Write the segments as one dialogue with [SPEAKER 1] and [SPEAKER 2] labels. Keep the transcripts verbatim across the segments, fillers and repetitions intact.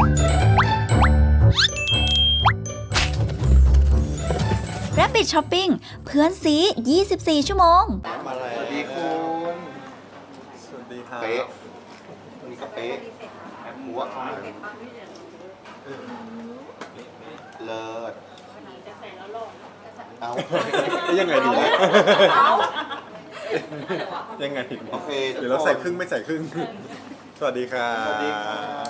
[SPEAKER 1] Rabbit Shopping เพื่อนซียี่สิบสี่ ชั่วโมง
[SPEAKER 2] มาเลยสวัสดีคุณสวัสดีครับเป๊ะนี่ก็เป๊ะหัวเลิศเอายังไงดีเนี่ยยังไงดีโอเคเดี๋ยวเราใส่ครึ่งไม่ใส่ครึ่งสวัสดีครับสวัสดีครับ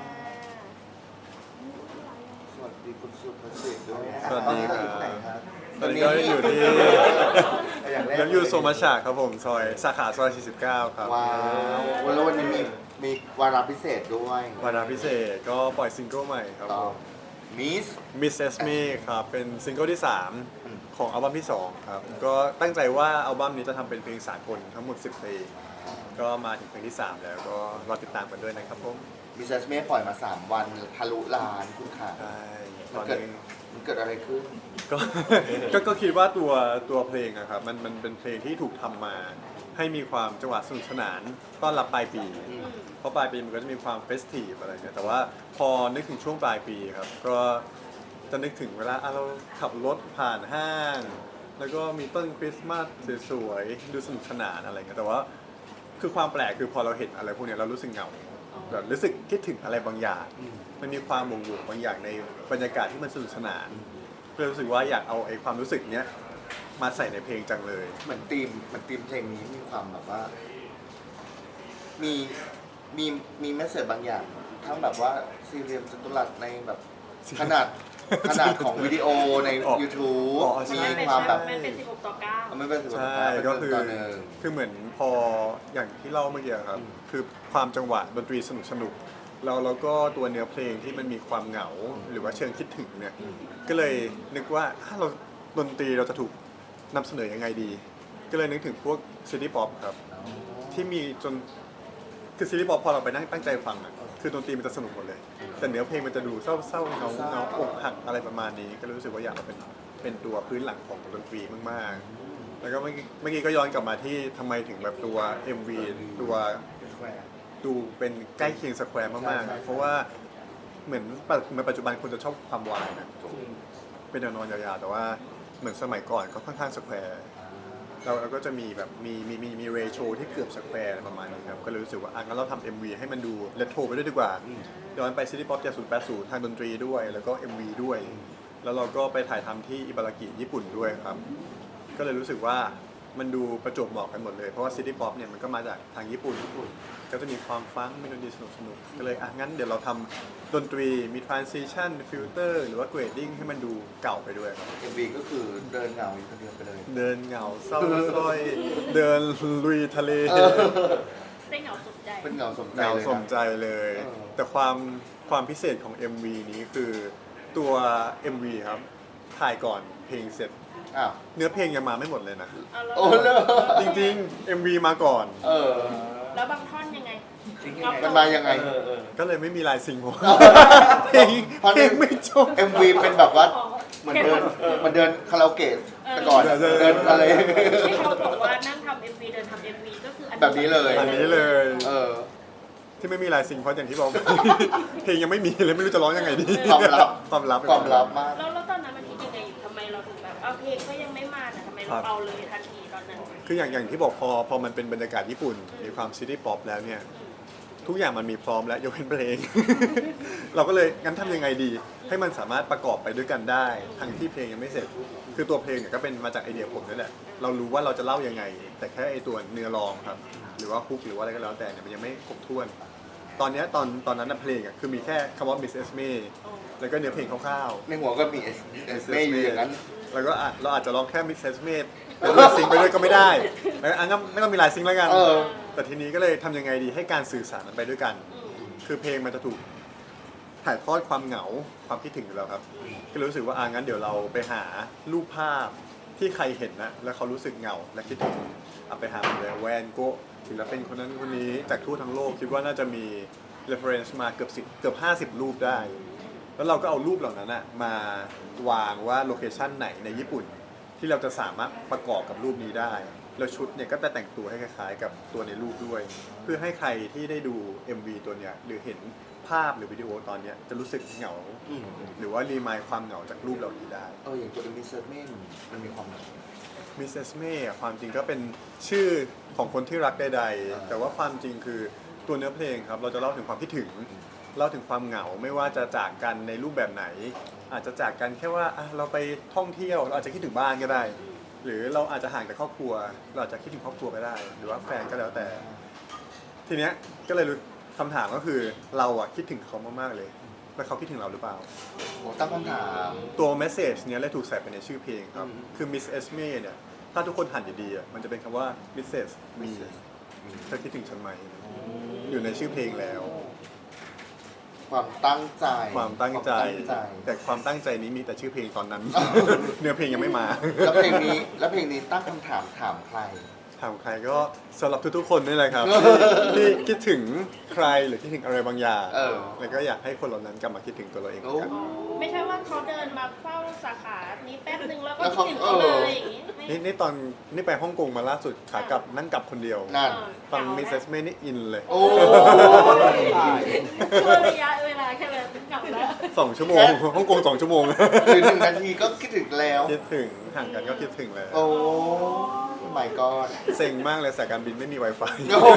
[SPEAKER 2] สวัสดีคุณสุภสิทธิ์ด้วยสวัสดีครับตอนนี้ก็อยู่ที่ยังอยู่โซมาชาครับผมซอยสาขาซอยสี่สิบเก้าครับว้าวแล้ววันนี้มีมีวาระพิเศษด้วยวาระพิเศษก็ปล่อยซิงเกิลใหม่ครับผมมิสมิสเอสเมครับเป็นซิงเกิลที่สามของอัลบั้มที่สองครับก็ตั้งใจว่าอัลบั้มนี้จะทำเป็นเพลงสากลทั้งหมดสิบเพลงก็มาถึงเพลงที่สามแล้วก็รอติดตามกันด้วยนะครับผมมิสเอสเมปล่อยมาสามวันทะลุล้านคุณค่ะใช่ตอนนี้มันเกิดอะไรขึ้นก็ก็ก็คิดว่าตัวตัวเพลงอะครับมันมันเป็นเพลงที่ถูกทำมาให้มีความจังหวะสนุกสนานต้อนรับปลายปีเพราะปลายปีมันก็จะมีความเฟสทีฟอะไรเงี้ยแต่ว่าพอนึกถึงช่วงปลายปีครับก็จะนึกถึงเวลาเราขับรถผ่านห้างแล้วก็มีต้นคริสต์มาสสวยๆดูสนุกสนานอะไรเงี้ยแต่ว่าคือความแปลกคือพอเราเห็นอะไรพวกนี้เรารู้สึกเหงาแบบรู้สึกคิดถึงอะไรบางอย่างมันมีความบ่งบอกบางอย่างในบรรยากาศที่มันสนุกสนานก็เลยรู้สึกว่าอยากเอาไอ้ความรู้สึกเนี้ยมาใส่ในเพลงจังเลยเหมือนธีมเหมือนธีมเพลงนี้มีความแบบว่ามีมีมีแมสเสจบางอย่างทั้งแบบว่าซีเรียมจัตุรัสในแบบขนาดขนาดของวิดีโอใน YouTube มีความแบบ
[SPEAKER 3] มันเป็นสิบหกต่อเก้า
[SPEAKER 2] มันเป็นสิบหกต่อเก้าก็คือคือเหมือนพออย่างที่เล่าเมื่อกี้ครับคือความจังหวะดนตรีสนุกสนุกแล้วแล้วก็ตัวเนื้อเพลงที่มันมีความเหงาหรือว่าเชิงคิดถึงเนี่ยก็เลยนึกว่าถ้าเราดนตรีเราจะถูกนำเสนอยังไงดีก็เลยนึกถึงพวกซิตี้ป๊อปครับที่มีจนคือซิตี้ป๊อปพอเราไปนั่งตั้งใจฟังอ่ะคือดนตรีมันจะสนุกหมดเลยแต่เนื้อเพลงมันจะดูเศร้าๆเงาเงาอกหักอะไรประมาณนี้ก็รู้สึกว่าอยากเอาเป็นเป็นตัวพื้นหลังของดนตรีมากๆแล้วก็เมื่อกี้เมื่อกี้ก็ย้อนกลับมาที่ทำไมถึงแบบตัว เอ็ม วี ตัวดูเป็นใกล้เคียงสแควร์มากๆเพราะว่าเหมือนในปัจจุบันคนจะชอบความวายนะเป็นแนวนอนยาวๆแต่ว่าเหมือนสมัยก่อนก็ค่อนข้างสแควร์เราเราก็จะมีแบบมีมีมีมีเรโชที่เกือบสแควร์ประมาณนี้ครับก็เลยรู้สึกว่าอ่ะงั้นเราทำ เอ็ม วี ให้มันดูเรโทรไปด้วยดีกว่าย้อนไปซิตี้ป๊อปเจ็ดศูนย์แปดศูนย์ทางดนตรีด้วยแล้วก็ เอ็ม วี ด้วยแล้วเราก็ไปถ่ายทำที่อิบารากิญี่ปุ่นด้วยครับก็เลยรู้สึกว่ามันดูประจวบเหมาะกันหมดเลยเพราะว่าซิตี้ป๊อปเนี่ยมันก็มาจากทางญี่ปุ่นก็จะมีความฟังก์มีดนตรีสนุกสนุกก็เลยอ่ะงั้นเดี๋ยวเราทำดนตรีมี transition filter หรือว่า grading ให้มันดูเก่าไปด้วยครับ เอ็ม วี ก็คือเดินเหงาอยู่คนเดียวไปเลยเดินเหงาเศร้าส้อยเดินลุยทะเล
[SPEAKER 3] ได้เหงาสมใจ
[SPEAKER 2] เป็นเหงาสมใจเหงาสมใจเลยแต่ความความพิเศษของ เอ็ม วี นี้คือตัว เอ็ม วี ครับถ่ายก่อนเพลงเสร็จเนื้อเพลงยังมาไม่หมดเลยนะโอ้เลยจริงๆ เอ็ม วี มาก่อนเออ
[SPEAKER 3] แล้วบางท่อนยังไง
[SPEAKER 2] มันมายังไงก็เลยไม่มีลายซิงค์ผมเพลงเพลงไม่จบ เอ็ม วี เป็นแบบว่ามันเดินมันเดินคาราโอเกะแต่ก่อนเดินอะไร
[SPEAKER 3] ที่เขาบอกว่านั่งทำ เอ็ม วี เดินทำ เอ็ม วี ก็คือ
[SPEAKER 2] แบบนี้เลยอันนี้เลยเออที่ไม่มีลายซิงค์เพราะอย่างที่บอกเพลงยังไม่มีเลยไม่รู้จะร้องยังไงดีความลับความลับความลับมาก
[SPEAKER 3] แล้วแล้วตอนนั้นมันคิดยังไงอยู่ทำไมเราถึงแบบเอาเพลงก็ยังไม่มาแต่ทำไมเราเอาเลยทันทีตอนนั้น
[SPEAKER 2] คืออย่างอย่างที่บอกพอพอมันเป็นบรรยากาศญี่ปุ่นมีความซิตี้ป๊อปแล้วเนี่ยทุกอย่างมันมีพร้อมแล้วยกเว้นเพลง เราก็เลยงั้นทำยังไงดีให้มันสามารถประกอบไปด้วยกันได้ทั้งที่เพลงยังไม่เสร็จคือตัวเพลงเนี่ยก็เป็นมาจากไอเดียผมนั่นแหละเรารู้ว่าเราจะเล่ายังไงแต่แค่ไอตัวเนื้อร้องครับหรือว่าฮุกหรือว่าอะไรก็แล้วแต่เนี่ยมันยังไม่ครบถ้วนตอนนี้ตอนตอนนั้นเพลงอ่ะคือมีแค่คำว่า Miss Esme แล้วก็เนื้อเพลงคร่าวๆในหัวก็มี Esme อยู่อย่างนั้นแล้วก็เราอาจจะร้องแค่ Miss Esme เป็นลายซิงไปด้วยก็ไม่ได้แล้วอันนั้นไม่ต้องมีลายซิงแล้วกันแต่ทีนี้ก็เลยทำยังไงดีให้การสื่อสารมันไปด้วยกันคือเพลงมันจะถูกถ่ายทอดความเหงาความคิดถึงอยู่แล้วครับก็รู้สึกว่าอ่ะงั้นเดี๋ยวเราไปหารูปภาพที่ใครเห็นนะแล้วเขารู้สึกเหงาและคิดถึงเอาไปหาเลยแวนโกะศิลปินคนนั้นคนนี้จากทั่วทั้งโลกคิดว่าน่าจะมี reference มาเกือบสิบเกือบห้าสิบรูปได้แล้วเราก็เอารูปเหล่านั้นนะมาวางว่าโลเคชั่นไหนในญี่ปุ่นที่เราจะสามารถประกอบกับรูปนี้ได้แล้วชุดเนี่ยก็จะแต่งตัวให้คล้ายๆกับตัวในรูปด้วยเพื่อให้ใครที่ได้ดู เอ็ม วี ตัวเนี้ยหรือเห็นภาพหรือวิดีโอตอนเนี้ยจะรู้สึกเหงา
[SPEAKER 4] อืม
[SPEAKER 2] หรือว่ารีมายความเหงาจากรูปเหล่านี้ได้
[SPEAKER 4] เอออย่างตัวมิสเซอร์เมนมันมีความหมาย
[SPEAKER 2] มิสเซสเม่ความจริงก็เป็นชื่อของคนที่รักใด
[SPEAKER 4] อ่า
[SPEAKER 2] ๆแต่ว่าความจริงคือตัวเนื้อเพลงครับเราจะเล่าถึงความคิดถึงเล่าถึงความเหงาไม่ว่าจะจากกันในรูปแบบไหน อาจจะจากกันแค่ว่าอ่ะเราไปท่องเที่ยวเราอาจจะคิดถึงบ้านก็ได้ หรือเราอาจจะห่างจากครอบครัว เราอาจจะคิดถึงครอบครัวก็ได้ หรือว่าแฟนก็แล้วแต่ ทีเนี้ยก็เลยรู้คำถามก็คือเราอะคิดถึงเขามากๆเลย แล้วเขาคิดถึงเราหรือเปล่า
[SPEAKER 4] โอ้ตั้งคำถาม
[SPEAKER 2] ตัวเมสเซจเนี้ยเลยถูกใส่ไปในชื่อเพลงครับ
[SPEAKER 4] อืม
[SPEAKER 2] คือ Miss Esme เนี่ย ถ้าทุกคนหันดีๆอะมันจะเป็นคำว่า Missus Me เธอคิดถึงฉันไหม อยู่ในชื่อเพลงแล้ว
[SPEAKER 4] ความตั้งใจ
[SPEAKER 2] ความตั้งใจ
[SPEAKER 4] ความตั้งใจ
[SPEAKER 2] แต่ความตั้งใจนี้มีแต่ชื่อเพลงตอนนั้น เนื้อเพลงยังไม่มา
[SPEAKER 4] แล้วเพลงนี้แล้วเพลงนี้ตั้งคำถามถามใคร
[SPEAKER 2] ถามใครก็สำหรับทุกๆคนนี่แหละครับ ที่คิดถึงใครหรือคิดถึงอะไรบางอย่าง
[SPEAKER 4] เออ
[SPEAKER 2] แล้วก็อยากให้คนเหล่านั้นกลับมาคิดถึงตัวเราเองเหมือนกัน
[SPEAKER 4] โอ้
[SPEAKER 3] ไม่ใช่ว่าเขาเดินมาเฝ้าสาขานี้แป๊บนึงแล้วก็
[SPEAKER 4] แล้ว
[SPEAKER 3] คิด
[SPEAKER 4] เขา
[SPEAKER 3] ถึงเขา
[SPEAKER 4] เออ
[SPEAKER 3] เลยอย่างงี้ไม่
[SPEAKER 2] นี่นี่ตอนนี่ไปฮ่องกงมาล่าสุดขากลับนั่งกลับคนเดียว
[SPEAKER 4] นั่น
[SPEAKER 2] ฟัง
[SPEAKER 3] เหา
[SPEAKER 2] มิส
[SPEAKER 3] ไห
[SPEAKER 2] เซสเมนี่อินเลย
[SPEAKER 4] โอ้ย
[SPEAKER 3] ช่วงระยะเวลาแค่เลยกลับแล้ว
[SPEAKER 2] สองชั่วโมงฮ่องกงสองชั่วโมง
[SPEAKER 4] หรือหนึ่งนาทีก็คิดถึงแล้ว
[SPEAKER 2] คิดถึงห่างกันก็คิดถึงแล้ว
[SPEAKER 4] โอ้ไม่ก็
[SPEAKER 2] เซ็งมากเลยสายการบินไม่มี Wi-Fi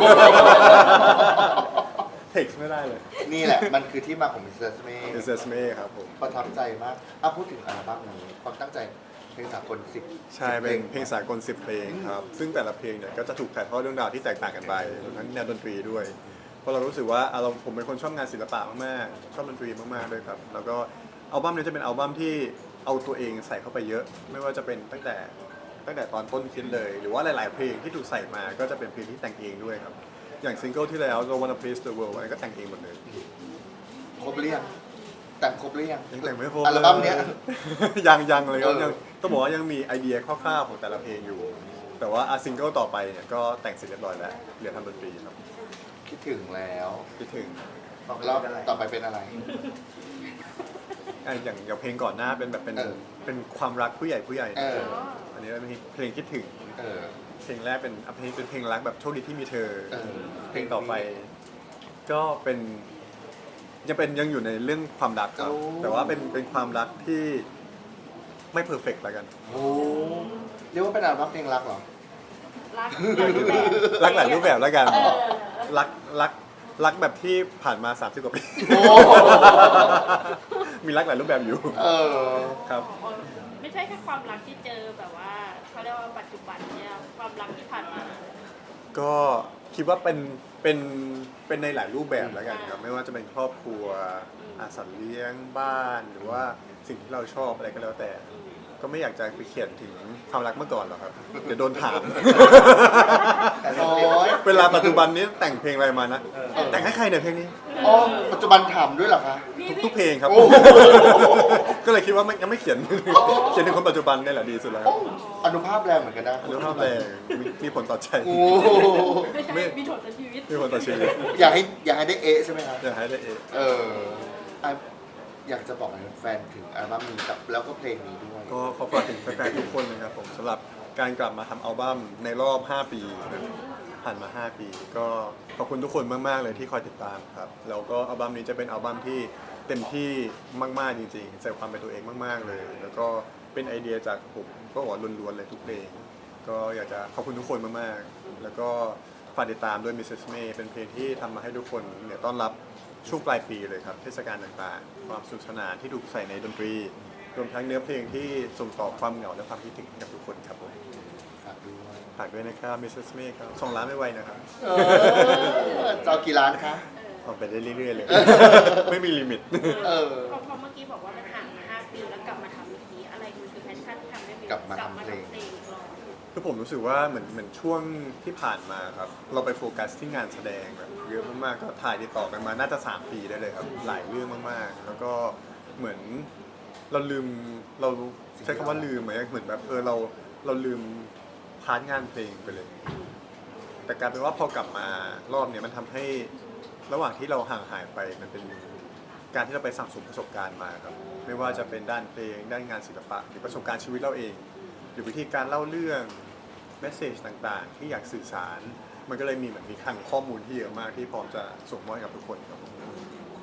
[SPEAKER 2] เท็กซ์ไม่ได้เลย
[SPEAKER 4] นี่แหละ มันคือที่มาของมิสเซอร์เม
[SPEAKER 2] มิสเซสเมครับผม
[SPEAKER 4] ประทับใจมากอ่ะพูดถึงอัลบั้มนี้ความตั้งใจเพลงสากลสิบ
[SPEAKER 2] ใช่เป็นเพลงสากลสิบเพลงครับ ซึ่งแต่ละเพลงเนี่ยก็จะถูกถ่ายทอดเรื่องราวที่แตกต่างกันไปรวมทั้งแนวดนตรีด้วย เพราะเรารู้สึกว่าอ่ะเราผมเป็นคนชอบงานศิลปะมากๆ ชอบดนตรีมากๆด้วยครับ แล้วก็อัลบั้มนี้จะเป็นอัลบั้มที่เอาตัวเองใส่เข้าไปเยอะ ไม่ว่าจะเป็นตั้งแต่ตั้งแต่ตอนต้นคิดเลย หรือว่าหลาย ๆ เพลงที่ถูกใส่มาก็จะเป็นเพลงที่แต่งเองด้วยครับ อย่างซิงเกิลที่แล้ว I Wanna Please the World อันนี้ก็แต่งเองหมดเลย
[SPEAKER 4] ครบหรือยังแต่งครบหรือยัง
[SPEAKER 2] ยังแต่งไม่ครบ
[SPEAKER 4] อัลบั้มเนี้ย
[SPEAKER 2] ยังยังเลยครับ
[SPEAKER 4] เออ
[SPEAKER 2] ยังต้องบอกว่ายังมีไอเดียคร่าวๆของแต่ละเพลงอยู่ แต่ว่าอาซิงเกิลต่อไปเนี่ยก็แต่งเสร็จเรียบร้อยแล้วเหลือทำดนตรีครับ
[SPEAKER 4] คิดถึงแล้ว
[SPEAKER 2] คิดถึง
[SPEAKER 4] รอบต่อไปเป็นอะไร
[SPEAKER 2] อ่ะอย่างอย่างเพลงก่อนหน้าเป็นแบบเป็น
[SPEAKER 4] เออ
[SPEAKER 2] เป็นความรักผู้ใหญ่ผู้ใหญ่
[SPEAKER 4] เออ
[SPEAKER 2] อันนี้เป็นเพลงคิดถึง
[SPEAKER 4] เออ
[SPEAKER 2] เพลงแรกเป็นอ่ะเพลงเป็นเพลงรักแบบโชคดีที่มีเธอ
[SPEAKER 4] เออ
[SPEAKER 2] เพลงต่อไป ก็เป็นยังเป็นยังอยู่ในเรื่องความรักครับ
[SPEAKER 4] โอ้
[SPEAKER 2] แต่ว่าเป็นเป็นความรักที่ไม่เพอร์เฟกต์แล้วกัน
[SPEAKER 4] โอ้เรียกว่าเป็นอัลบั้มเพลงรักเหรอ
[SPEAKER 3] รักหลายรูปแบบ
[SPEAKER 2] รักหลายรูปแบบแล้วกัน
[SPEAKER 3] เออ
[SPEAKER 2] รักรักรักแบบที่ผ่านมาสามสิบกว่าปี
[SPEAKER 4] โอ้
[SPEAKER 2] มีรักหลายรูปแบบอยู่
[SPEAKER 4] เออ
[SPEAKER 2] ครับ
[SPEAKER 3] ไม่ใช่แค่ความรักที่เจอแบบว่าเขาเรียกว่าปัจจุบันเนี่ยความรักที่ผ่านมา
[SPEAKER 2] ก็คิดว่าเป็นเป็นเป็นในหลายรูปแบบแล้วกันครับ ไม่ว่าจะเป็นครอบครัวอาสัตว์เลี้ยงบ้านหรือว่าสิ่งที่เราชอบอะไรก็แล้วแต่ ก็ไม่อยากจะไปเขียนถึงความรักเมื่อก่อนหรอกครับ เดี๋ยวโดนถาม
[SPEAKER 4] โอ้ย
[SPEAKER 2] เวลาปัจจุบันนี้แต่งเพลงอะไรมานะ แต่งให้ใครเนี่ยเพลงนี้
[SPEAKER 4] อ๋อปัจจุบันถามด้วยเหรอคะ
[SPEAKER 2] ทุกทุกเพลงครับ
[SPEAKER 4] โอ้โห
[SPEAKER 2] ก็เลยคิดว่าไม่ยังไม่เขียน เขียนถึงคนปัจจุบันนี่แหละดีสุดแล้ว
[SPEAKER 4] โอ้อนุภาพแรงเหมือนกันนะ
[SPEAKER 2] เรื่องภาพแรงมีมีผลต่อใจ
[SPEAKER 4] โอ้
[SPEAKER 3] ไม่ใช่
[SPEAKER 2] ไม่
[SPEAKER 3] มีผลต่อชีวิต
[SPEAKER 2] มีผลต่อชีวิต
[SPEAKER 4] อยากให้อยากให้ได้เอะใช่ไหมครับ
[SPEAKER 2] อยากให้ได้เอง
[SPEAKER 4] เอออ่ะอยากจะบอกอะไรแฟนถึงอัลบั้มนี้กับแล้วก็เพลงนี้ด้วย
[SPEAKER 2] ก็ขอฝากถึงแฟนๆทุกคนนะครับผมสำหรับการกลับมาทำอัลบั้มในรอบ ห้า ปีนะผ่านมา ห้า ปี ก็ขอบคุณทุกคนมากๆเลยที่คอยติดตามครับแล้วก็อัลบั้มนี้จะเป็นอัลบั้มที่เต็มที่มากๆจริงๆใส่ความเป็นตัวเองมากๆเลย แล้วก็เป็นไอเดียจากผมก็บอกว่าล้วนๆเลยทุกเพลงก็อยากจะขอบคุณทุกคนมากๆแล้วก็ฝากติดตามด้วย มิสเซส May เป็นเพลงที่ทำมาให้ทุกคนเนี่ยต้อนรับช่วงปลายปีเลยครับเทศกาลต่างๆ ความสนุกสนานที่ถูกใส่ในดนตรี รวมทั้งเนื้อเพลงที่ส่งต่อความเหงาและความคิดถึงให้กับทุกคนครับผม
[SPEAKER 4] ฝากด้วย
[SPEAKER 2] ฝากด้วยนะครับ มิสเซส May ครับสองล้านไม่ไวนะครับ
[SPEAKER 4] เออจะเอากี่ล้านคะ
[SPEAKER 2] ออกไปได้เรื่อยๆเลย ไม่มีลิมิต
[SPEAKER 4] เออ
[SPEAKER 3] พอพอเมื่อกี้บอกว่ามันห่างมาห้าปีแล้วกลับมาทำอีกทีอะไรมันคือแพชชั่นที่ทำให้มิว
[SPEAKER 4] กลับมาทำ
[SPEAKER 3] กลับมา
[SPEAKER 4] เพลง
[SPEAKER 3] ทำเพลงอีกรอบ
[SPEAKER 2] คือผมรู้สึกว่าเหมือนเหมือนช่วงที่ผ่านมาครับ เราไปโฟกัสที่งานแสดงแบบเยอะมากๆก็ถ่ายติดต่อกันมาน่าจะสามปีได้เลยครับหลายเรื่องมากๆ แล้วก็เหมือนเราลืมเราใช้คำว่าลืมไหมเหมือนแบบเออเราเราลืมพาร์ทงานเพลงไปเลย แต่กลายเป็นว่าพอกลับมารอบเนี้ยมันทำให้ระหว่างที่เราห่างหายไปมันเป็นการที่เราไปสั่งสมประสบการณ์มาครับไม่ว่าจะเป็นด้านเพลงด้านงานศิลปะหรือประสบการณ์ชีวิตเราเอง หรือวิธีการเล่าเรื่องเมสเซจต่างๆ ที่อยากสื่อสาร มันก็เลยมีเหมือนมีคลังข้อมูลที่เยอะมากที่พร้อมจะส่งมอบให้กับทุกคนครับผม
[SPEAKER 4] ฝ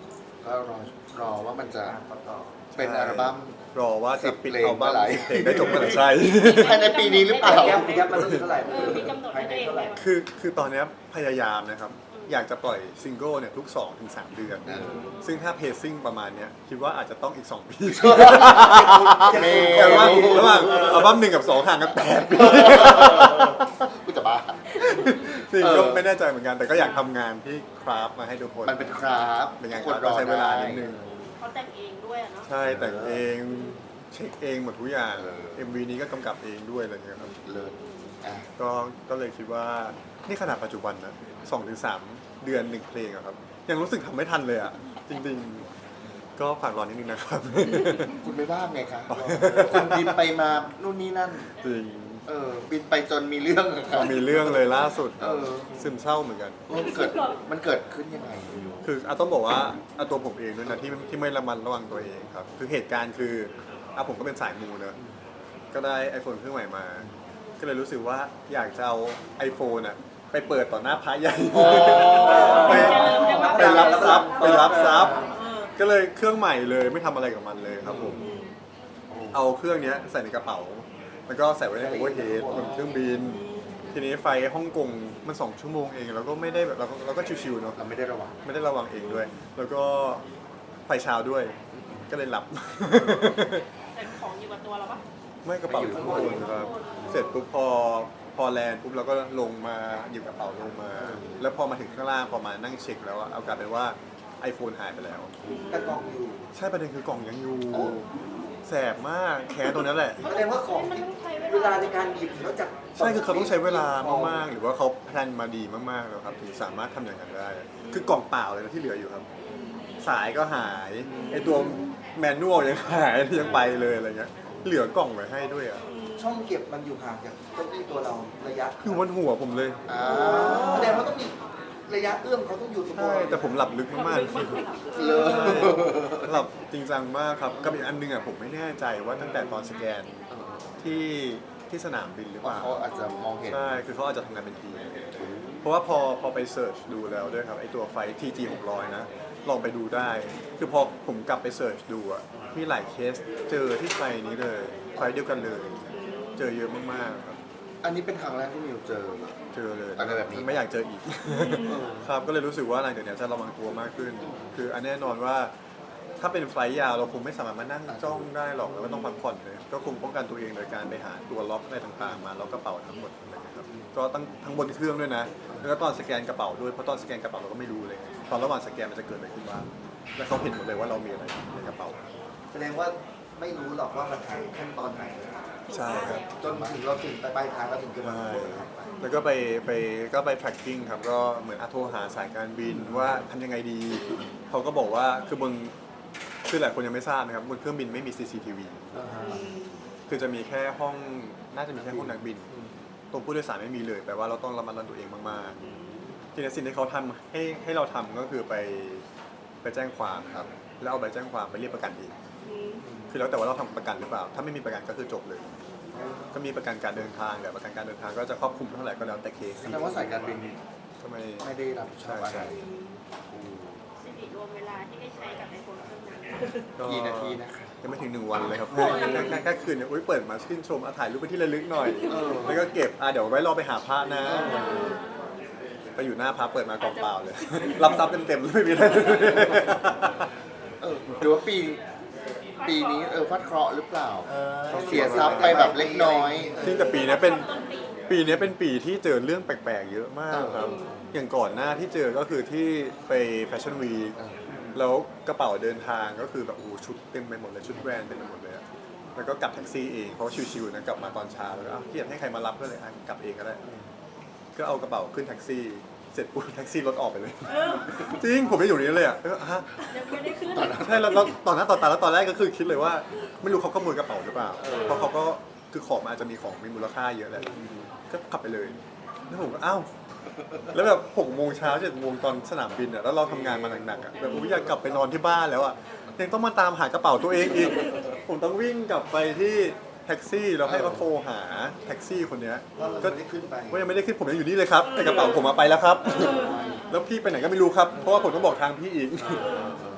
[SPEAKER 4] ก็รอรอว่ามันจะเป็นอัลบั้ม
[SPEAKER 2] รอว่าจะปิด
[SPEAKER 4] สิบเพลง
[SPEAKER 2] อัลบั้ม
[SPEAKER 4] เมื่อไหร่
[SPEAKER 2] สิบเพลงได้จบเมื่อไหร่ใช่
[SPEAKER 4] ภายในปีนี้หรือเปล่า
[SPEAKER 5] แก๊ปแก๊ปมันต้องถึงเท่าไหร่
[SPEAKER 3] เออมีกำหนดให้ตัวเองไหมว่า
[SPEAKER 2] คือคือตอนเนี้ยพยายามนะครับ อยากจะปล่อยซิงเกิลเนี่ยทุก สองถึงสาม เดือน
[SPEAKER 4] เออ
[SPEAKER 2] ซึ่งถ้าเพซซิ่งประมาณเนี้ยคิดว่าอาจจะต้องอีก สอง ปี
[SPEAKER 4] เม
[SPEAKER 2] แต่ว่าระหว่างอัลบั้มหนึ่งกับสองห่างกันแปดปี
[SPEAKER 4] กูจะบ้า
[SPEAKER 2] ซึ่ง
[SPEAKER 4] เออ
[SPEAKER 2] ก็ไม่แน่ใจเหมือนกัน แต่ก็อยากทำงานที่คราฟต์มาให้ทุกคน
[SPEAKER 4] มันเป็นคราฟต์
[SPEAKER 2] เป็นงาน
[SPEAKER 4] ค
[SPEAKER 2] คราฟต์ต้องใช้เวลานิดนึง
[SPEAKER 3] เขาแต่งเองด้วยอะเนาะ
[SPEAKER 2] ใช่แต่งเองเช็คเองหมดทุกอย่าง
[SPEAKER 4] เออ
[SPEAKER 2] เอ็ม วี นี้ก็กำกับเองด้วยอะไรเงี้ยครับ
[SPEAKER 4] เลยอ่ะ
[SPEAKER 2] ก็ก็เลยคิดว่านี่ขนาดปัจจุบันนะสองถึงสามเดือนหนึ่งเพลงอะครับ ยังรู้สึกทำไม่ทันเลยอะจริงๆ ก็ฝากรอนิดนึงนะครับ
[SPEAKER 4] คุณไม่บ้างไงคะคุณบินไปมานู่นนี่นั่น
[SPEAKER 2] จริง
[SPEAKER 4] เออ บินไปจนมีเรื่องอะครั
[SPEAKER 2] มีเรื่องเลยล่าสุด
[SPEAKER 4] เออ
[SPEAKER 2] ซึมเศร้าเหมือนกัน
[SPEAKER 4] มันเกิดมันเกิดขึ้นยังไง
[SPEAKER 2] คืออาต้องบอกว่าอาตัวผมเองด้วยนะที่ที่ไม่ระมัดระวังตัวเองครับ คือเหตุการณ์คืออาผมก็เป็นสายมูเนอะก็ได้ iPhone เครื่องใหม่มา ก็เลยรู้สึกว่าอยากจะเอา iPhone อะไปเปิดต่อหน้าพระใหญ่ ไปไปรับทรัพย์ไปรับทรัพย์ ก็เลยเครื่องใหม่เลยไม่ทำอะไรกับมันเลยครับผม เอาเครื่องเนี้ยใส่ในกระเป๋า แล้วก็ใส่ไว้ในโอเวอร์เฮดบนเครื่องบิน ทีนี้ไฟฮ่องกงมันสองชั่วโมงเองแล้วก็ไม่ได้แบบเราก็เราก็ชิวๆเนาะ
[SPEAKER 4] เราไม่ได้ระวัง
[SPEAKER 2] ไม่ได้ระวังเองด้วย แล้วก็ไฟเช้าด้วย ก็เลยหลับ
[SPEAKER 3] แต่ของอยู่กับตัวเราปะ
[SPEAKER 2] ไม่กระเป๋าอยู่ข้างบนครับ เสร็จปุ๊บพอพอแลนด์ปุ๊บเราก็ลงมาหยิบกระเป๋าลงมา แล้วพอมาถึงข้างล่างพอมานั่งเช็คแล้วอะเอากลายเป็นว่า iPhone หายไปแล้ว
[SPEAKER 5] แต่กล่องอยู่
[SPEAKER 2] ใช่ประเด็นคือกล่องยังอยู่
[SPEAKER 4] โอ้
[SPEAKER 2] แสบมากแค้นตัวนั้นแหละ
[SPEAKER 5] แสดงว่าของ
[SPEAKER 3] มันต้องใช้
[SPEAKER 5] เวลาในการหยิบแล้วจาก
[SPEAKER 2] ใช่คือเขาต้องใช้เวลามากๆ หรือว่าเขาแพลนมาดีมากๆแล้วครับถึงสามารถทำอย่างนั้นได้ คือกล่องเปล่าเลยนะที่เหลืออยู่ครับ สายก็หายไอตัวแมนนวลยังหายยังไปเลยอะไรเงี้ยเหลือกล่องไว้ให้ด้วยอ่ะ
[SPEAKER 5] ช่องเก็บมันอยู่ห่างจากเก้าอี้ตัวเราระยะ
[SPEAKER 2] อยู่บนหัวผมเลย
[SPEAKER 4] อ่า
[SPEAKER 5] แสดงว่าต้องมีระยะเอื้อมเขาต้องอยู่ตรง
[SPEAKER 2] ใช่แต่ผมหลับลึกมาก
[SPEAKER 4] เลย
[SPEAKER 2] ๆหลับจริงจังมากครับกับอีกอันนึงอ่ะผมไม่แน่ใจว่าตั้งแต่ตอนสแกนที่ที่สนามบินหรือเป
[SPEAKER 4] ว่า
[SPEAKER 2] ล่า
[SPEAKER 4] เขาอาจจะมองเห็น
[SPEAKER 2] ใช่คือเขาอาจจะทำงานเป็นทีมเพราะว่าพอพอไปเสิร์ชดูแล้วด้วยครับไอตัวไฟ ที จี หกร้อยนะลองไปดูได้ คือพอผมกลับไปเสิร์ชดูอ่ะมีหลายเคสเจอที่ไฟนี้เลยไฟเดียวกันเลย เจอเยอะมากๆครับ
[SPEAKER 4] อันนี้เป็นครั้งแรกที่มิวเจอ
[SPEAKER 2] เจอเลย
[SPEAKER 4] อะไรแบบนี้
[SPEAKER 2] ไม่อยากเจออีก ครับก็เลยรู้สึกว่าหลังจากนี้จะระวังตัวมากขึ้น คืออันแน่นอนว่าถ้าเป็นไฟล์ยาวเราคงไม่สามารถมานั่งจ้องได้หรอกแล้วก็ต้องพักผ่อนเลยก็คงป้องกันตัวเองโดยการไปหาตัวล็อกอะไรต่างๆ มาล็อกกระเป๋าทั้งหมดอะไรอย่างเงี้ยครับก็ตั้งทั้งบนเครื่องด้วยนะแล้วก็ตอนสแกนกระเป๋าด้วยเพราะตอนสแกนกระเป๋าเราก็ไม่รู้เลยตอนระหว่างสแกนมันจะเกิดอะไรขึ้นบ้างแล้วเขาเห็นหมดเลยว่าเรามีอะไรในกระเป๋า
[SPEAKER 5] แสดงว่าไม่รู้หรอกว่ามันทางขั้นตอนไหน
[SPEAKER 2] ใช่ครับ
[SPEAKER 5] จนถึงเราถึงไปปลายทางเราถึงจะมา
[SPEAKER 2] ใช่แล้วก็ไปไปก็ไป tracking ครับ ก็เหมือนอาโทรหาสายการบินว่าทำยังไงดี เขาก็บอกว่าคือบนคือหลายคนยังไม่ทราบนะครับบนเครื่องบินไม่มี ซี ซี ที วี
[SPEAKER 5] อ่าฮะ
[SPEAKER 2] คือจะมีแค่ห้องน่าจะมีแค่ห้องนักบิน ตรงผู้โดยสารไม่มีเลยแปลว่าเราต้องระมัดระวังตัวเองมากๆทีนี้สิ่งที่เขาทำให้ให้เราทำก็คือไปไปแจ้งความครับ แล้วเอาใบแจ้งความไปเรียกประกันเองคือแล้วแต่ว่าเราทำประกันหรือเปล่า ถ้าไม่มีประกันก็คือจบเลย ก็มีประกันการเดินทางแต่ประกันการเดินทางก็จะครอบคลุมเท่าไหร่ก็แล้วแต่เคส
[SPEAKER 4] แสดงว่าสายการบิน
[SPEAKER 2] ทำไม
[SPEAKER 4] ไม่ได้รับผิดชอบอะไร
[SPEAKER 2] ใช่
[SPEAKER 4] อืม
[SPEAKER 3] สิริรวมเวลาที่ได้ใช้กับไอโฟนเครื่องนั้น
[SPEAKER 2] ก็
[SPEAKER 4] กี่นาทีนะคะ
[SPEAKER 2] ยังไม่ถึงหนึ่งวันเลยครับแค่แค่แค่แค่คืนเนี่ยอุ้ยเปิดมาชื่นชมอ่ะถ่ายรูปไปที่ระลึกหน่อย
[SPEAKER 4] เออ
[SPEAKER 2] แล้วก็เก็บอ่ะเดี๋ยวไว้รอไปหาพระนะ ไปอยู่หน้าพระเปิดมากล่องเปล่าเลย รับทรัพย์เต็มๆไม่มีอะไร
[SPEAKER 4] เออหรือว่าปีปีนี้เออฟัดเคราะห์หรือเปล่า
[SPEAKER 5] เออ
[SPEAKER 4] เสียทรัพย์ไปแบบเล็กน้อย
[SPEAKER 2] จริงแต่ปีนี้เป็นปีนี้เป็นปีที่เจอเรื่องแปลกๆเยอะมากครับ อย่างก่อนหน้าที่เจอก็คือที่ไปแฟชั่นวีค
[SPEAKER 4] เออ
[SPEAKER 2] แล้วกระเป๋าเดินทางก็คือแบบโอ้โหชุดเต็มไปหมดเลยชุดแบรนด์เต็มไปหมดเลยอะแล้วก็กลับแท็กซี่เองเพราะว่าชิวๆนะกลับมาตอนเช้าแล้วก็อ้าวเกียดให้ใครมารับก็เลยอ่ะกลับเองก็ได้ ก็เอากระเป๋าขึ้นแท็กซี่ เสร็จปุ๊บแท็กซี่รถออกไปเลย จริงผมไม่อยู่นี้เลยอ่ะแล้วก็ฮะ
[SPEAKER 3] ยังไม่ได้ขึ้น
[SPEAKER 2] ใช่แล้วแล้วตอนนั้นตอนตาแล้วตอนแรกก็คือคิดเลยว่า ไม่รู้เขาขโมยกระเป๋าหรือเปล่า เพราะเขาก็คือของมันอาจจะมีของมีมูลค่าเยอะแหละก็ขับไปเลยแล้วผมก็อ้าวแล้วแบบหกโมงเช้าเจ็ดโมงตอนสนามบินอ่ะแล้วเราทำงานมาหนักๆอ่ะแบบผมอยากกลับไปนอนที่บ้านแล้วอ่ะยังต้องมาตามหากระเป๋าตัวเองอีกผมต้องวิ่งกลับไปที่แท็กซี่แล้วให้เขาโทรหาแท็กซี่คนเนี้ย
[SPEAKER 5] ว่าเรา
[SPEAKER 2] ก็
[SPEAKER 5] ไม่ได้ขึ้นไป
[SPEAKER 2] ว่ายังไม่ได้ขึ้นผมยังอยู่นี่เลยครับแต่กระเป๋าผมมาไปแล้วครับ แล้วพี่ไปไหนก็ไม่รู้ครับ เพราะว่าผมต้องบอกทางพี่อีก
[SPEAKER 4] เ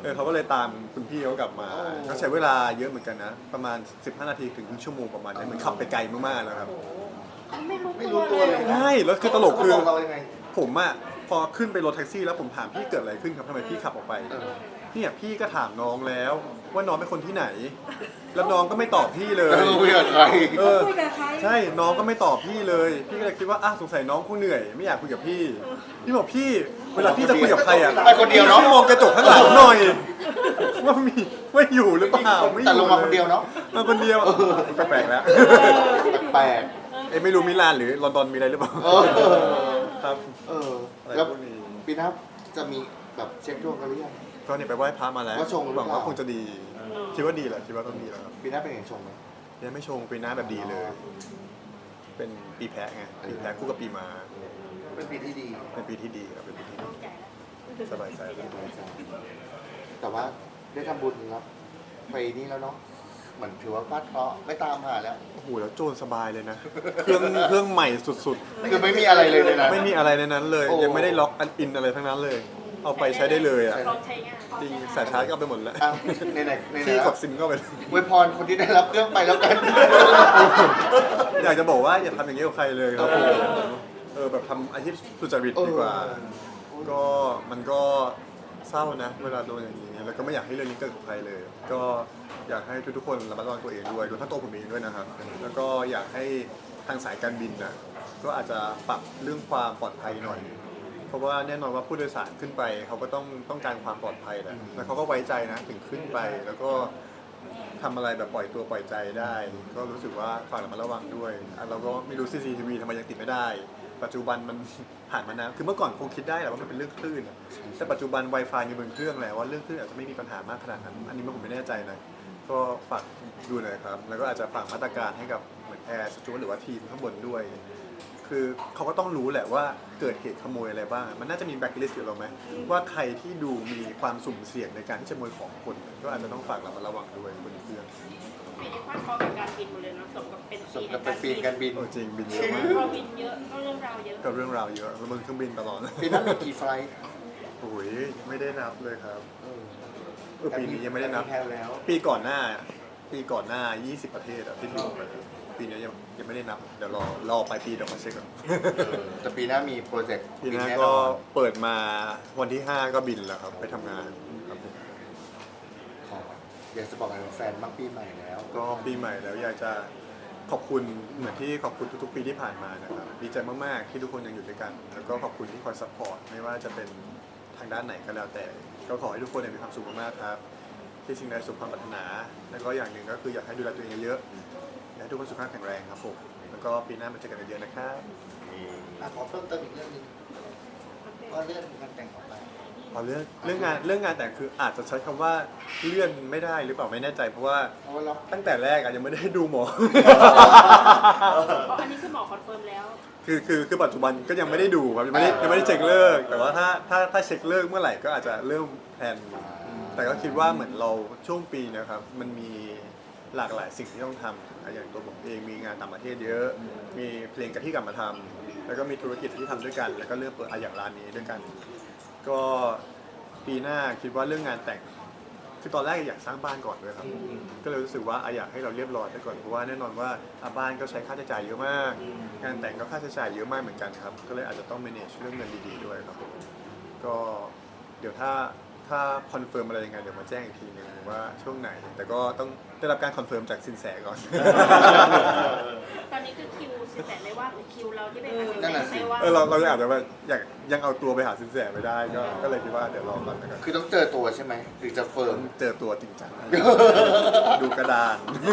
[SPEAKER 2] เออเขาก็เลยตามคุณพี่เขากลับมาก็ใช้เวลาเยอะเหมือนกันนะประมาณสิบห้านาทีถึงครึ่งชั่วโมงประมาณนี้เหมือนขับไปไกลมากๆแล้วครับ
[SPEAKER 3] ไม่รู้
[SPEAKER 4] ไม่
[SPEAKER 3] ตัว
[SPEAKER 4] รู้ตัว
[SPEAKER 3] เล
[SPEAKER 4] เลย ย
[SPEAKER 2] ใช่แล้วคือตลกคือ
[SPEAKER 4] เขาบอกเรายังไง
[SPEAKER 2] ผมอะพอขึ้นไปรถแท็กซี่แล้วผมถามพี่เกิดอะไรขึ้นครับทำไมพี่ขับออกไป
[SPEAKER 4] เออ
[SPEAKER 2] เนี่ยพี่ก็ถามน้องแล้วว่าน้องเป็นคนที่ไหน แล้วน้องก็ไม่ตอบพี่เลย
[SPEAKER 4] เออคุยกับใคร
[SPEAKER 2] เออ
[SPEAKER 3] คุยกับใคร
[SPEAKER 2] ใช่น้องก็ไม่ตอบพี่เลย พี่ก็เลยคิดว่าอ่ะสงสัยน้องคงเหนื่อยไม่อยากคุยกับพี่พี่บอกพี่เวลาพี่จะคุยกับใครอ่ะ
[SPEAKER 4] ไปคนเดียวเนอะ
[SPEAKER 2] พี่มองกระจกข้างหลังหน่อยว่ามีว่าอยู่หรือเปล่าไม่อยู่
[SPEAKER 4] แต่ลงมาคนเดียวเนาะ
[SPEAKER 2] มาคนเดียวแปลกๆแล้ว
[SPEAKER 4] แปลก
[SPEAKER 2] เอ้ยไม่รู้มิลานหรือลอนดอนมีอะไรหรือเปล่า
[SPEAKER 4] ๆเออ
[SPEAKER 2] ครับ
[SPEAKER 4] เออ
[SPEAKER 2] อะไร
[SPEAKER 4] แล้ว
[SPEAKER 2] พวกนี้
[SPEAKER 4] ปีหน้าจะมีแบบเช็คดวงกันหรือยัง
[SPEAKER 2] ก็เนี่ยไปไหว้พระมาแล้ว
[SPEAKER 4] ว่าชงหรือ
[SPEAKER 2] หวังว่า
[SPEAKER 4] เปล่า
[SPEAKER 2] คงจะดีคิดว่าดีแหละคิดว่าต้องดีแล้วครับ
[SPEAKER 4] ปีหน้าเป็นอย่างชงไหม
[SPEAKER 2] ยังไม่ชงปีหน้าแบบดีเลย เป็นปีแพะไงปีแพะคู่กับปีมา
[SPEAKER 4] เป็นปีที่ดี
[SPEAKER 2] เป็นปีที่ดีครับเป็นปีที่ดี
[SPEAKER 3] ใจแล้ว
[SPEAKER 2] สบายใจแล้ว
[SPEAKER 4] แต่ว่าได้ทำบุญแล้วไปนี่แล้วเนาะเหมือนถือว่าฟาดเคราะห์ไม่ตามหาแล้ว
[SPEAKER 2] โอ้โหแล้วโจรสบายเลยนะ เครื่องเครื่องใหม่สุด
[SPEAKER 4] คือไม่มีอะไรเลยเลยนะ
[SPEAKER 2] ๆ ไม่มีอะไรในนั้นเลย
[SPEAKER 4] โอ้
[SPEAKER 2] ยังไม่ได้ล็อกอันอินอะไรทั้งนั้นเลย เอาไปใช้ได้เลยอ่ะ
[SPEAKER 3] พร้อมใช้งาน
[SPEAKER 2] จริงสายชาร์จก็เอาไปหมดแล้ว
[SPEAKER 4] อ้าวในไหนในไหน
[SPEAKER 2] ที่
[SPEAKER 4] แล้
[SPEAKER 2] ก
[SPEAKER 4] ว
[SPEAKER 2] ดซิมก็ไป
[SPEAKER 4] อวยพรคนที่ได้รับเครื่องไปแล้วกัน
[SPEAKER 2] อยากจะบอกว่าอย่าทำอย่างนี้กับใครเลยครับผมเออแบบทำอาชีพสุจริตดีกว่า ก็มันก็เศร้านะ เวลาโดนอย่างนี้แล้วก็ไม่อยากให้เรื่องนี้เกิดกับใครเลย ก็อยากให้ทุกๆคนระมัดระวังตัวเองด้วยรวมทั้งตัวผมเองด้วยนะครับ แล้วก็อยากให้ทางสายการบินนะก็อาจจะปรับเรื่องความปลอดภัยหน่อย เพราะว่าแน่นอนว่าผู้โดยสารขึ้นไปเขาก็ต้องต้องการความปลอดภัยแหละแล้วเขาก็ไว้ใจนะถึงขึ้นไป แล้วก็ทำอะไรแบบปล่อยตัวปล่อยใจได้ ก็รู้สึกว่าฝากระมัดระวังด้วยอ่ะเราก็ไม่รู้ ซี ซี ที วี ทำไมยังติดไม่ได้ ปัจจุบันมัน ผ่านมานานคือเมื่อก่อนคงคิดได้แหละว่ามันเป็นเรื่องคลื่นอะแต่ปัจจุบัน Wi-Fi มีบนเครื่องแล้วว่าเรื่องคลื่นอาจจะไม่มีปัญหามากขนาดนั้น อันนี้ผมไม่แน่ใจนะ ก็ฝากดูหน่อยครับ แล้วก็อาจจะฝากมาตรการให้กับเหมือนแอร์สจวตหรือว่าทีมข้างบนด้วย คือเขาก็ต้องรู้แหละว่าเกิดเหตุขโมยอะไรบ้าง มันน่าจะมีแบ็คลิสต์อยู่แล้วไหมว่าใครที่ดูมีความสุ่มเสี่ยงในการที่จะขโมยของคน ก็อาจจะต้องฝากเรามาระวังด้วยบนเครื่อง
[SPEAKER 3] ปีนี้ฟาดเคราะห์กับการบินหมดเลยเนาะสมกับเป็น
[SPEAKER 4] ส
[SPEAKER 3] ปี
[SPEAKER 4] ม
[SPEAKER 3] แห่
[SPEAKER 4] กับ
[SPEAKER 3] ง
[SPEAKER 4] เป็นปีการบิน
[SPEAKER 2] โอ้จริงบินเยอะมาก
[SPEAKER 3] พอบินเยอะก็เรื่องราวเยอะ
[SPEAKER 2] กับเรื่องราวเยอะแล้วบนเครื่องบินตลอด
[SPEAKER 4] ปีหน้ามีกี่ไฟล์
[SPEAKER 2] โอ้ยไม่ได้นับเลยครับ
[SPEAKER 4] เออ
[SPEAKER 2] เออปีนี้ยังไม่ได้นับ
[SPEAKER 4] แพลแล้ว
[SPEAKER 2] ปีก่อนหน้า ปีก่อนหน้า ยี่สิบ ประเทศอะที่บินไปปีนี้ยังยังไม่ได้นับ เดี๋ยวรอรอปลายปีเดี๋ยวมาเช็คก่อน
[SPEAKER 4] เออแต่ปีหน้ามีโปรเจกต์
[SPEAKER 2] ปีหน้า
[SPEAKER 4] แน่
[SPEAKER 2] ก็
[SPEAKER 4] นอน
[SPEAKER 2] เปิดมาวันที่ ห้า ก็บินแล้วครับ ไปทำงานครับผม
[SPEAKER 4] ขออยากจะบอกอะไรแฟนบ้างปีใหม่แล้ว
[SPEAKER 2] ก็ปีใหม่แล้วอยากจะขอบคุณเหมือนที่ขอบคุณทุกๆปีที่ผ่านมานะครับดีใจมากๆที่ทุกคนยังอยู่ด้วยกัน แล้วก็ขอบคุณที่คอยซัพพอร์ตไม่ว่าจะเป็นทางด้านไหนก็แล้วแต่ ก็ขอให้ทุกคนมีความสุขมากๆครับ ที่สิ่งใดสุขความปรารถนา แล้วก็อย่างหนึ่งก็คืออยากให้ดูแลตัวเองเยอะๆอยากให้ทุกคนสุขภาพแข็งแรงครับผมแล้วก็ปีหน้ามาเจอกันเยอะๆนะครับ
[SPEAKER 5] อ่ะขอเพิ่มเติมอีกเรื่องหนึงว่าเรื่องการแต่งออกไป
[SPEAKER 2] พอเรื่องเรื่องงานเรื่องงานแต่งคืออาจจะใช้คำว่าเลื่อนไม่ได้หรือเปล่าไม่แน่ใจเพราะว่า
[SPEAKER 4] เพราะว่าเรา
[SPEAKER 2] ตั้งแต่แรกอะยังไม่ได้ดูหมอ
[SPEAKER 3] เพราะอันนี้คือหมอคอนเฟิร์มแล้ว
[SPEAKER 2] คือคือคือปัจจุบันก็ยังไม่ได้ดูครับยังไม่ได้ยังไม่ได้เช็คเลิกแต่ว่าถ้าถ้าถ้าเช็คเลิกเมื่อไหร่ก็อาจจะเริ่มแพลนแต่ก็คิดว่าเหมือนเราช่วงปีนะครับมันมีหลากหลายสิ่งที่ต้องทำอย่างตัวผมเองมีงานต่างประเทศเยอะ มีเพลงกับที่กลับมาทำแล้วก็มีธุรกิจที่ทำด้วยกัน แล้วก็เริ่มเปิดอะอย่างร้านนี้ด้วยกัน ก็ปีหน้าคิดว่าเรื่องงานแต่งคือตอนแรกอยากสร้างบ้านก่อนด้วยครับ ก็เลยรู้สึกว่าอ่ะอยากให้เราเรียบร้อยไปก่อนเพราะว่าแน่นอนว่าอ่ะบ้านก็ใช้ค่าใช้จ่ายเยอะมาก งานแต่งก็ค่าใช้จ่ายเยอะมากเหมือนกันครับ ก็เลยอาจจะต้อง manage เรื่องเงินดีๆด้วยครับผมก็เดี๋ยวถ้าถ้าคอนเฟิร์มอะไรยังไงเดี๋ยวมาแจ้งอีกทีหนึงว่าช่วงไหน แต่ก็ต้องได้รับการคอนเฟิร์มจากสินแสก่อน
[SPEAKER 3] ตอนนี้คือคิวสิบแปดไม่ว่างหรือคิวเราที่ไปหาสิน
[SPEAKER 4] นั่น
[SPEAKER 3] แส
[SPEAKER 4] น่ะสิ
[SPEAKER 3] ไม่ว่าง
[SPEAKER 2] เออเราเราอาจจะแบบอยากยังเอาตัวไปหาสินแสไม่ได้ก็ก็เลยคิดว่าเดี๋ยวรอก่อนนะครับ
[SPEAKER 4] คือต้องเจอตัวใช่ไหมถึงจะเฟิร์ม
[SPEAKER 2] เจอตัวจริงจัง ดูกระดาน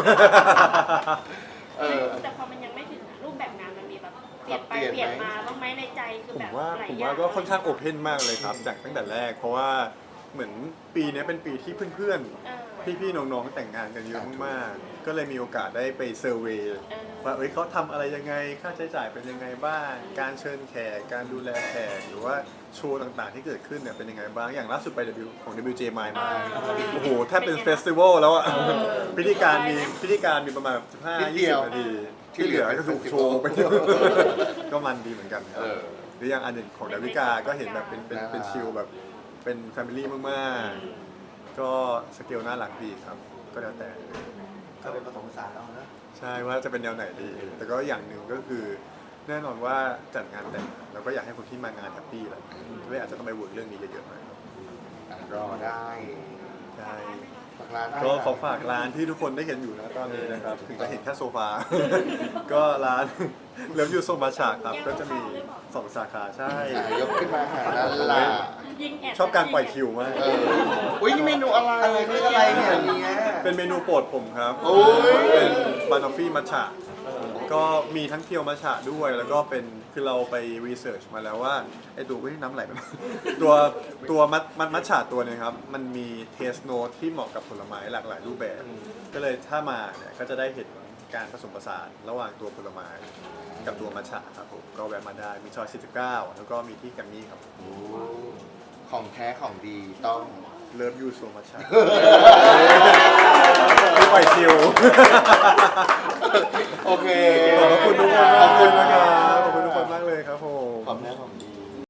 [SPEAKER 4] เออ
[SPEAKER 3] แต่พอมันยังไม่ถึงอะรูปแบบงานมันมีแบบเปลี่ยนไป
[SPEAKER 4] ปรับเป
[SPEAKER 3] เป
[SPEAKER 4] ลี่
[SPEAKER 3] ลี่
[SPEAKER 4] ย
[SPEAKER 3] ย
[SPEAKER 4] น
[SPEAKER 3] น
[SPEAKER 4] ไหม
[SPEAKER 3] มาบ้างไหมในใจคือ
[SPEAKER 2] ผ
[SPEAKER 3] แบ
[SPEAKER 2] ม
[SPEAKER 3] บ
[SPEAKER 2] ว่า
[SPEAKER 3] หลาย
[SPEAKER 2] ผม
[SPEAKER 3] อย่า
[SPEAKER 2] ว่าง ก็ค่อนข้างโอเพนมากเลยครับจากตั้งแต่แรก เพราะว่าเหมือนปีนี้เป็นปีที่เพื่อน
[SPEAKER 3] เออ
[SPEAKER 2] ๆ พี่ๆ น้องๆ แต่งงานกันเยอะมากๆ ก็เลยมีโอกาสได้ไปเซอร์เวย์
[SPEAKER 3] เออ
[SPEAKER 2] ว่าเอ้ยเขาทำอะไรยังไงค่าใช้จ่ายเป็นยังไงบ้าง การเชิญแขกการดูแลแขกหรือว่าโชว์ต่างๆที่เกิดขึ้นเนี่ยเป็นยังไงบ้างอย่างล่าสุดไป W ของ ดับเบิลยู เจ Mile มาโอ้โหแทบเป็นเฟสติวัลแล้วอะพิธีการมีพิธีการมีประมาณสิบห้า
[SPEAKER 4] นิดเดี
[SPEAKER 2] ยี่
[SPEAKER 4] ย
[SPEAKER 2] สิ
[SPEAKER 4] ว
[SPEAKER 2] บนาทีที่เหลือก็คือโชว์ไป ก็มันดีเหมือนกันค
[SPEAKER 4] เอ
[SPEAKER 2] รับ
[SPEAKER 4] อ
[SPEAKER 2] หรืออย่างอันหนึ่งของดาวิกาก็เห็นแบบเป็นเป็นเป็นชิลแบบเป็นแฟมิลี่มากก็สเกลน่ารักดีครับ ก็แล้วแต่
[SPEAKER 5] ก็เป็นผสมผสานเอานะ
[SPEAKER 2] ใช่ว่าจะเป็นแนวไหนดี แต่ก็อย่างหนึ่งก็คือแน่นอนว่าจัดงานแต่งเราก็อยากให้คนที่มางานแฮปปี้แหละด้วยอาจจะต้องไปวนเรื่องนี้เยอะๆหน่อยครับ
[SPEAKER 4] อ่ะรอได้
[SPEAKER 2] ใช่
[SPEAKER 4] ฝากร้านได้
[SPEAKER 2] ก็ขอฝากร้านที่ทุกคนได้เห็นอยู่นะตอนนี้นะครับ ถึงจะเห็นแค่โซฟา ก็ร้านเลิฟยูโซมาชาครับ ก็จะมีสองสาขาใช่
[SPEAKER 4] อ่ะยกขึ้นมาหาด้านล่าง
[SPEAKER 3] ยิงแอด
[SPEAKER 2] ชอบการปล่อยคิวมาก
[SPEAKER 4] เอออุ้ยนี่เมนูอะไร
[SPEAKER 5] อะไรนี่อะไรเนี่ยเนี่ย
[SPEAKER 2] เป็นเมนูโปรดผมครับ
[SPEAKER 4] โอ้ย
[SPEAKER 2] เป็นบานอฟฟี่มัทฉะก็มีทั้งเคียวมัทฉะด้วย แล้วก็เป็นคือเราไปรีเสิร์ชมาแล้วว่าไอตัวเว้ยน้ำไหลไป ตัวตัวมัทมัทมัทฉะตัวเนี้ครับมันมีเทสโนตที่เหมาะกับผลไม้หลากหลายรูปแบบ ก็เลยถ้ามาเนี่ยก็จะได้เห็นการผสมผสานระหว่างตัวผลไม้กับตัวมัทฉะครับผมก็แวะมาได้มีซอยสี่สิบเก้าแล้วก็มีที่แกัมมี่ครับ
[SPEAKER 4] โอ้ของแท้ของดีต้อง
[SPEAKER 2] เลิฟยูโซมัทฉะไม่ปล่อยคิว
[SPEAKER 4] โอเค
[SPEAKER 2] ขอบพระคุณทุกคนมากเลยนะครับ